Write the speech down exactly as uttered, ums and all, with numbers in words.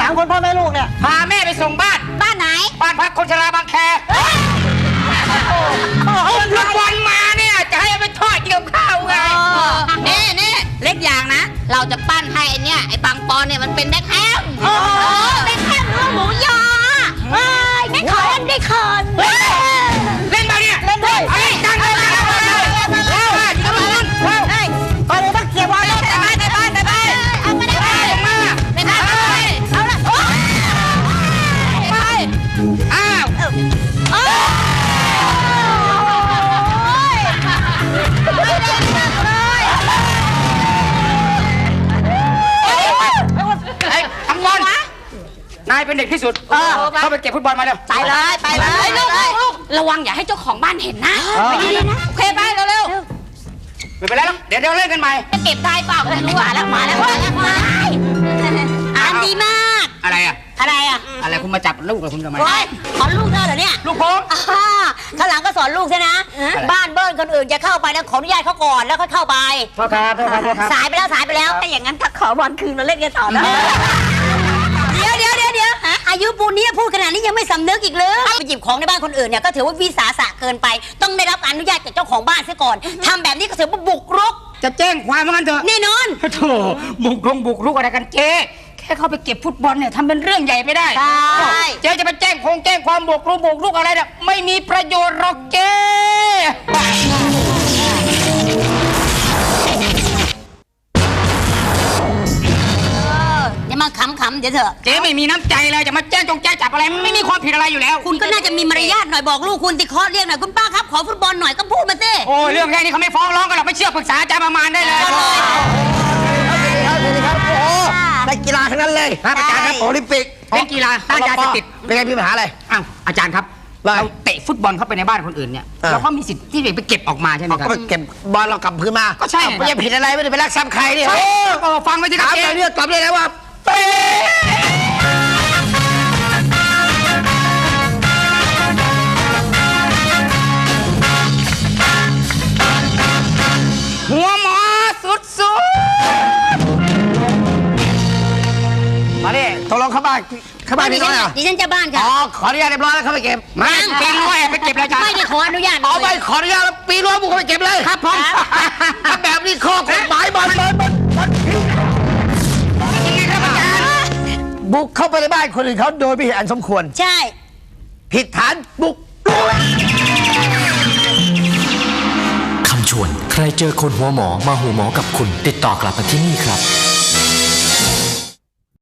ามคนพ่อแม่ลูกเนี่ยพาแม่ไปส่งบ้านบ้านไหนบ้านพักคนชราบางแคลูกบอลมาเนี่ยจะให้ไปทอดเกี่ยวข้าวไงนี่นี่เล็กอย่างนะเราจะปั้นให้ไอเนี่ยไอปังปอนเนี่ยมันเป็นแบ็คแฮมแบ็คแฮมเนื้อหมูยอเฮ้ยไม่ขอเล่นได้ขอนเล่นมาเนี่ยเล่นด้วยเฮ้ยจังเลยจังเลยแล้วยิงลูกบอลเฮ้ยไปเลยต้องเกี่ยวบอลเลยไปไปไปไปไปเอาไปได้ไปมาไปไปเอาละไปอ้าวนายเป็นเด็กที่สุดเข้าไปเก็บฟุตบอลมาเร็วไปเลยไปเลยลูกลูกระวังอย่าให้เจ้าของบ้านเห็นนะไม่ดีนะโอเคไปเร็วๆไม่เป็นไรหรอกเดี๋ยวเดี๋ยวเล่นกันใหม่จะเก็บได้เปล่าไม่รู้อ่ะแล้วมาแล้วมาแล้วมาอ่านดีมากอะไรอ่ะอะไรอ่ะอะไรคุณมาจับลูกกับคุณทำไมสอนลูกเธอเหรอเนี่ยลูกผมข้างหลังก็สอนลูกใช่นะบ้านเบิ้ลคนอื่นจะเข้าไปนะขออนุญาตเขาก่อนแล้วค่อยเข้าไปพ่อครับพ่อครับพ่อครับสายไปแล้วสายไปแล้วแต่อย่างนั้นถ้าขอบอลคืนมาเล่นกันต่อนะเดี๋ยวเดี๋ยวเดี๋ยวเดี๋ยวอายุปูนนี้พูดขนาดนี้ยังไม่สำนึกอีกเลยไปหยิบของในบ้านคนอื่นเนี่ยก็ถือว่าวิสาสะเกินไปต้องได้รับอนุญาตจากเจ้าของบ้านซะก่อนทำแบบนี้ก็ถือว่าบุกรุกจะแจ้งความว่างั้นเถอะแน่นอนโธ่บุกรุกบุกรุกอะไรกันเจ๊แค่เข้าไปเก็บฟุตบอลเนี่ยทำเป็นเรื่องใหญ่ไม่ได้เจ๊จะไปแจ้งคงแจ้งความบุกรุกบุกรุกอะไรเนี่ยไม่มีประโยชน์หรอกเจ๊มาขำๆเดี๋ยวเถอะเจ๊ไม่มีน้ำใจเลยจะมาแจ้งจงแจ้งจับอะไรไม่มีความผิดอะไรอยู่แล้วคุณก็น่าจะมีมารยาทหน่อยบอกลูกคุณติเคาะเรียกหน่อยคุณป้าครับขอฟุตบอลหน่อยก็พูดมาสิโอ้เรื่องแค่นี้เขาไม่ฟ้องร้องกันหรอกไม่เชื่อปรึกษาอาจารย์ประมาณได้เลยครับโอ้นักกีฬาทั้งนั้นเลยครับอาจารย์ครับโอลิมปิกเล่นกีฬาต้านยาเสพติดเป็นไงมีปัญหาอะไรอ้าวอาจารย์ครับเราเตะฟุตบอลเข้าไปในบ้านคนอื่นเนี่ยเราก็มีสิทธิ์ที่จะไปเก็บออกมาใช่ไหมครับก็ไปเก็บบอลเรากลับคืนมาก็ใช่ไม่ได้ผิดอะไรไม่ได้ไปลักทรัพย์ใครเนี่ยก็ฟังไว้ที่ถามไปเรื่องตอบเลยนะว่าหัวหมอสุดสุดมาดิตกลงเข้าบ้านเข้าบ้านนี่ไงดิฉันจะบ้านค่ะอ๋อขออนุญาตเรียบร้อยแล้วเข้าไปเก็บมาปีนรั้วแอบไปเก็บเลยจ้ะไม่ได้ขออนุญาตเอาไปขออนุญาตแล้วปีนรั้วบุกเข้าไปเก็บเลยครับผมถ้าแบบนี้ข้อกฎหมายบอลบอลบอลยังไงครับอาจารย์บุกเข้าไปในบ้านคนอื่นเขาโดยไม่เห็นอันสมควรใช่ผิดฐานบุกคำชวนใครเจอคนหัวหมอมาหัวหมอกับคุณติดต่อกลับมาที่นี่ครับ